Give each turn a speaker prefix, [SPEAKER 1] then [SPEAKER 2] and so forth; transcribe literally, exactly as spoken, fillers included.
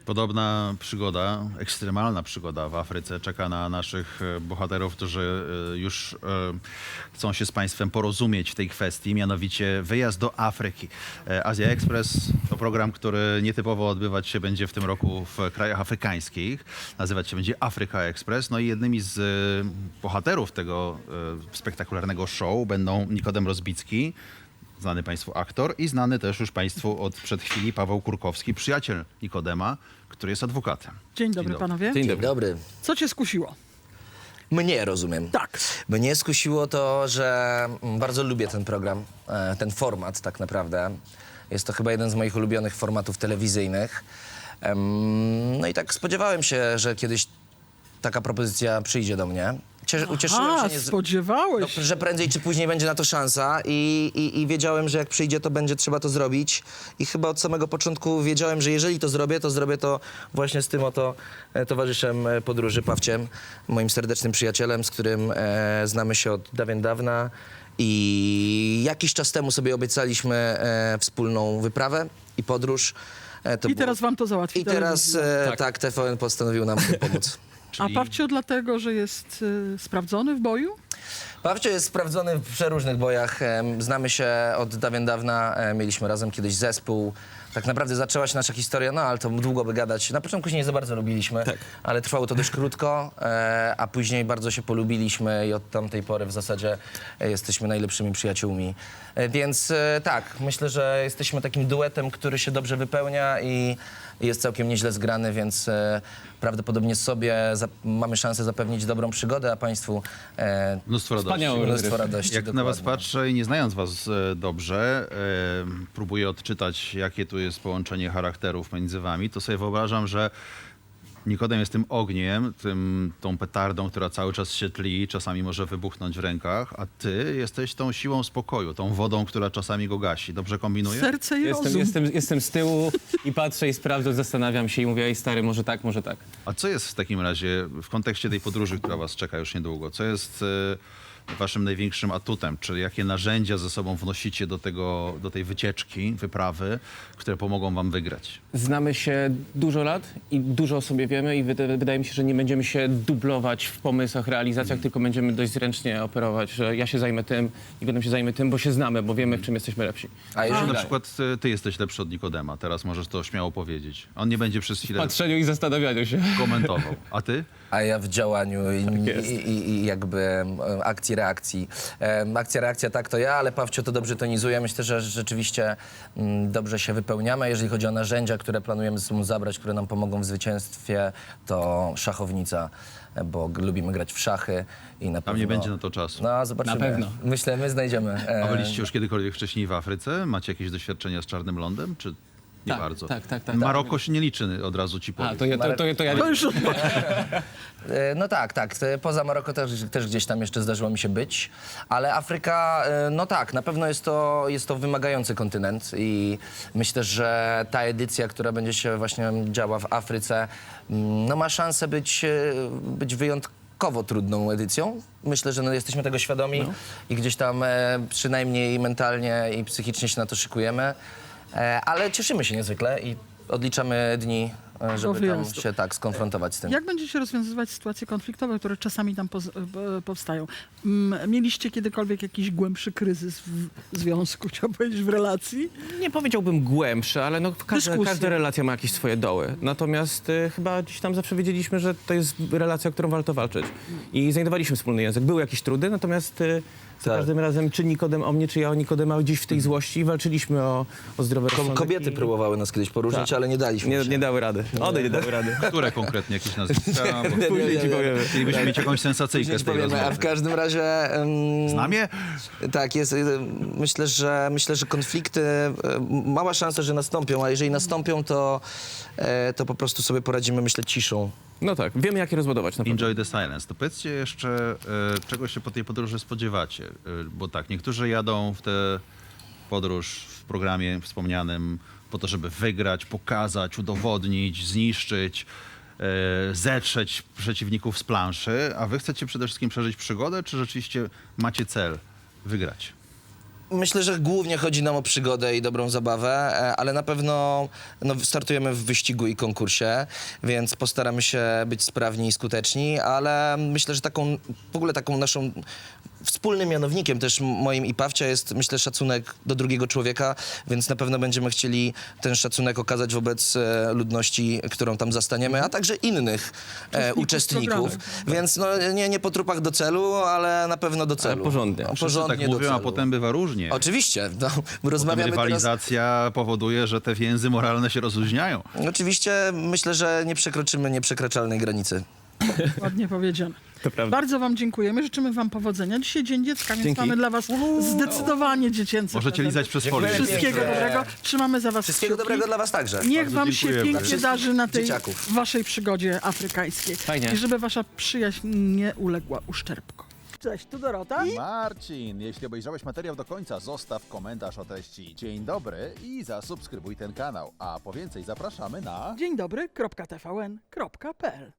[SPEAKER 1] Podobna przygoda, ekstremalna przygoda w Afryce czeka na naszych e, bohaterów, którzy e, już e, chcą się z państwem porozumieć w tej kwestii, mianowicie wyjazd do Afryki. E, Azja Express to program, który nietypowo odbywać się będzie w tym roku w krajach afrykańskich. Nazywać się będzie Africa Express. No i jednymi z e, bohaterów tego e, spektakularnego show będą Nikodem Rozbicki, znany państwu aktor i znany też już państwu od przed chwili Paweł Kurkowski, przyjaciel Nikodema, który jest adwokatem.
[SPEAKER 2] Dzień dobry,
[SPEAKER 1] dobry.
[SPEAKER 2] panowie.
[SPEAKER 3] Dzień
[SPEAKER 4] Dzień
[SPEAKER 3] dobry.
[SPEAKER 4] dobry.
[SPEAKER 2] Co cię skusiło?
[SPEAKER 4] Mnie, rozumiem.
[SPEAKER 2] Tak.
[SPEAKER 4] Mnie skusiło to, że mm, bardzo lubię ten program, e, ten format tak naprawdę. Jest to chyba jeden z moich ulubionych formatów telewizyjnych. Em, No i tak spodziewałem się, że kiedyś taka propozycja przyjdzie do mnie. Cie- Ucieszyłem
[SPEAKER 2] A,
[SPEAKER 4] się, nie z...
[SPEAKER 2] spodziewałeś
[SPEAKER 4] no, że prędzej czy później będzie na to szansa i, i, i wiedziałem, że jak przyjdzie, to będzie trzeba to zrobić. I chyba od samego początku wiedziałem, że jeżeli to zrobię, to zrobię to właśnie z tym oto e, towarzyszem e, podróży, Pawciem, moim serdecznym przyjacielem, z którym e, znamy się od dawien dawna. I jakiś czas temu sobie obiecaliśmy e, wspólną wyprawę i podróż. E, to
[SPEAKER 2] I
[SPEAKER 4] było-
[SPEAKER 2] teraz wam to załatwi
[SPEAKER 4] I teraz
[SPEAKER 2] telewizja.
[SPEAKER 4] e,
[SPEAKER 3] Tak.
[SPEAKER 4] tak. T V N postanowił nam pomóc.
[SPEAKER 2] A
[SPEAKER 1] Czyli-
[SPEAKER 2] Pawcio dlatego, że jest y, sprawdzony w boju?
[SPEAKER 4] Pawcio jest sprawdzony w przeróżnych bojach. Em, Znamy się od dawien dawna. e, Mieliśmy razem kiedyś zespół. Tak naprawdę zaczęła się nasza historia, no ale to długo by gadać. Na początku się nie za bardzo lubiliśmy,
[SPEAKER 3] Tak.
[SPEAKER 4] ale trwało to dość krótko, e, a później bardzo się polubiliśmy i od tamtej pory w zasadzie e, jesteśmy najlepszymi przyjaciółmi. E, Więc e, tak, myślę, że jesteśmy takim duetem, który się dobrze wypełnia i jest całkiem nieźle zgrany, więc e, prawdopodobnie sobie za- mamy szansę zapewnić dobrą przygodę, a państwu e,
[SPEAKER 1] Mnóstwo radości.
[SPEAKER 3] Wspaniałe
[SPEAKER 4] mnóstwo
[SPEAKER 3] rozrywki.
[SPEAKER 4] radości.
[SPEAKER 1] Jak na was
[SPEAKER 4] dokładnie.
[SPEAKER 1] patrzę i nie znając was e, dobrze, e, próbuję odczytać, jakie tu jest połączenie charakterów między wami, to sobie wyobrażam, że Nikodem jest tym ogniem, tym, tą petardą, która cały czas się tli, czasami może wybuchnąć w rękach, a ty jesteś tą siłą spokoju, tą wodą, która czasami go gasi. Dobrze kombinuję?
[SPEAKER 2] Serce i
[SPEAKER 3] Jestem,
[SPEAKER 2] rozum.
[SPEAKER 3] jestem, jestem z tyłu i patrzę i sprawdzam, zastanawiam się i mówię, ej stary, może tak, może tak.
[SPEAKER 1] A co jest w takim razie, w kontekście tej podróży, która was czeka już niedługo, co jest e, waszym największym atutem? Czy jakie narzędzia ze sobą wnosicie do, tego, do tej wycieczki, wyprawy, które pomogą wam wygrać?
[SPEAKER 3] Znamy się dużo lat i dużo o sobie wiemy i wyda- wydaje mi się, że nie będziemy się dublować w pomysłach, realizacjach, tylko będziemy dość zręcznie operować, że ja się zajmę tym, Nikodem się zajmie tym, bo się znamy, bo wiemy, w czym jesteśmy lepsi.
[SPEAKER 4] A jeżeli
[SPEAKER 1] Na przykład e, ty jesteś lepszy od Nikodema, teraz możesz to śmiało powiedzieć. On nie będzie przez
[SPEAKER 3] W
[SPEAKER 1] chwilę
[SPEAKER 3] patrzeniu i zastanawianiu się.
[SPEAKER 1] komentował. A ty?
[SPEAKER 4] A ja w działaniu i,
[SPEAKER 3] jest.
[SPEAKER 4] i, i, i jakby em, akcji, reakcji. Em, akcja, reakcja tak to ja, ale Pawcio to dobrze tonizuje. Myślę, że rzeczywiście mm, dobrze się wypełniamy. Jeżeli chodzi o narzędzia, które planujemy ze sobą zabrać, które nam pomogą w zwycięstwie, to szachownica, e, bo g- lubimy grać w szachy i na
[SPEAKER 1] Tam
[SPEAKER 4] pewno...
[SPEAKER 1] nie będzie na to czasu.
[SPEAKER 4] No, zobaczymy.
[SPEAKER 3] Na pewno.
[SPEAKER 4] Myślę, my znajdziemy. e,
[SPEAKER 1] A byliście już kiedykolwiek wcześniej w Afryce? Macie jakieś doświadczenia z czarnym lądem, czy nie
[SPEAKER 3] Tak,
[SPEAKER 1] bardzo?
[SPEAKER 3] tak, tak, tak,
[SPEAKER 1] Maroko się nie liczy, od razu ci powiem.
[SPEAKER 3] A, to ja, to, to, to ja...
[SPEAKER 2] To już
[SPEAKER 4] E, No tak, tak. Te- Poza Maroko też, też gdzieś tam jeszcze zdarzyło mi się być. Ale Afryka, e, no tak, na pewno jest to, jest to wymagający kontynent i myślę, że ta edycja, która będzie się właśnie działa w Afryce, mm, no ma szansę być, e, być wyjątkowo trudną edycją. Myślę, że no jesteśmy tego świadomi i gdzieś tam e, przynajmniej mentalnie i psychicznie się na to szykujemy. E, ale cieszymy się niezwykle i odliczamy dni, e, żeby tam
[SPEAKER 2] wyjazdu.
[SPEAKER 4] się tak skonfrontować z tym.
[SPEAKER 2] Jak będziecie rozwiązywać sytuacje konfliktowe, które czasami tam poz- e, powstają? Mm, Mieliście kiedykolwiek jakiś głębszy kryzys w związku, chciałbym powiedzieć, w relacji?
[SPEAKER 3] Nie powiedziałbym głębsze, ale no, każda,
[SPEAKER 2] Dyskusje.
[SPEAKER 3] każda relacja ma jakieś swoje doły. Natomiast y, chyba gdzieś tam zawsze wiedzieliśmy, że to jest relacja, o którą warto walczyć. I znajdowaliśmy wspólny język. Były jakieś trudy, natomiast y, za
[SPEAKER 4] Tak.
[SPEAKER 3] każdym razem czy Nikodem o mnie, czy ja o Nikodema gdzieś w tej złości walczyliśmy o, o zdrowe
[SPEAKER 4] Ko-
[SPEAKER 3] rozsądek
[SPEAKER 4] Kobiety
[SPEAKER 3] i...
[SPEAKER 4] próbowały nas kiedyś poróżnić,
[SPEAKER 3] Tak.
[SPEAKER 4] ale nie daliśmy
[SPEAKER 3] Nie,
[SPEAKER 4] się.
[SPEAKER 3] nie dały rady. One nie dały rady.
[SPEAKER 1] Które konkretnie jakieś nazwiska? Bo
[SPEAKER 4] Nie,
[SPEAKER 3] Później
[SPEAKER 4] nie,
[SPEAKER 3] ci
[SPEAKER 4] nie.
[SPEAKER 3] powiemy.
[SPEAKER 1] chcielibyśmy mieć jakąś sensacyjkę
[SPEAKER 4] Później
[SPEAKER 1] z
[SPEAKER 4] ci
[SPEAKER 1] tej
[SPEAKER 4] powiemy, a w
[SPEAKER 1] rozmowy.
[SPEAKER 4] każdym razie... Um,
[SPEAKER 1] Znam je?
[SPEAKER 4] Tak, jest. y, Myślę, że myślę, że konflikty, y, mała szansa, że nastąpią, a jeżeli nastąpią, to, e, to po prostu sobie poradzimy, myślę, ciszą.
[SPEAKER 3] No tak, wiemy jak je rozładować na pewno.
[SPEAKER 1] Enjoy the silence. To powiedzcie jeszcze, e, czego się po tej podróży spodziewacie. E, bo tak, niektórzy jadą w tę podróż w programie wspomnianym po to, żeby wygrać, pokazać, udowodnić, zniszczyć, e, zetrzeć przeciwników z planszy, a wy chcecie przede wszystkim przeżyć przygodę, czy rzeczywiście macie cel wygrać?
[SPEAKER 4] Myślę, że głównie chodzi nam o przygodę i dobrą zabawę, e, ale na pewno no, startujemy w wyścigu i konkursie, więc postaramy się być sprawni i skuteczni, ale myślę, że taką, w ogóle taką naszą wspólnym mianownikiem też moim i Pawcia jest, myślę, szacunek do drugiego człowieka, więc na pewno będziemy chcieli ten szacunek okazać wobec e, ludności, którą tam zastaniemy, a także innych e, uczestników.
[SPEAKER 2] programu.
[SPEAKER 4] Więc no, nie, nie po trupach do celu, ale na pewno do celu.
[SPEAKER 3] porządnie.
[SPEAKER 4] No,
[SPEAKER 3] Wszyscy
[SPEAKER 1] Wszyscy tak
[SPEAKER 4] porządnie do
[SPEAKER 1] mówią, a
[SPEAKER 4] celu.
[SPEAKER 1] potem bywa różnie.
[SPEAKER 4] Oczywiście, no,
[SPEAKER 1] Potem
[SPEAKER 4] rozmawiamy teraz...
[SPEAKER 1] rywalizacja powoduje, że te więzy moralne się rozluźniają.
[SPEAKER 4] Oczywiście myślę, że nie przekroczymy nieprzekraczalnej granicy.
[SPEAKER 2] Ładnie powiedziane.
[SPEAKER 3] To prawda.
[SPEAKER 2] Bardzo wam dziękujemy, życzymy wam powodzenia. Dzisiaj Dzień Dziecka, więc
[SPEAKER 3] Dzięki.
[SPEAKER 2] mamy dla was zdecydowanie dziecięce
[SPEAKER 1] Możecie
[SPEAKER 2] prezenty.
[SPEAKER 1] lizać przez
[SPEAKER 4] Dziękuję
[SPEAKER 1] folię.
[SPEAKER 2] Wszystkiego
[SPEAKER 4] Pięknie.
[SPEAKER 2] dobrego. Trzymamy za was
[SPEAKER 4] Wszystkiego
[SPEAKER 2] kciuki.
[SPEAKER 4] dobrego dla was także.
[SPEAKER 2] Niech
[SPEAKER 1] Bardzo
[SPEAKER 2] wam się
[SPEAKER 1] dziękujemy.
[SPEAKER 2] pięknie
[SPEAKER 4] Dla
[SPEAKER 2] darzy na tej
[SPEAKER 4] dzieciaków.
[SPEAKER 2] waszej przygodzie afrykańskiej.
[SPEAKER 3] Fajnie.
[SPEAKER 2] I żeby wasza przyjaźń nie uległa uszczerbkom. Cześć, tu Dorota.
[SPEAKER 1] Marcin, jeśli obejrzałeś materiał do końca, zostaw komentarz o treści. Dzień dobry i zasubskrybuj ten kanał. A po więcej zapraszamy na...
[SPEAKER 2] Dzień dobry, kropka T V N, kropka P L.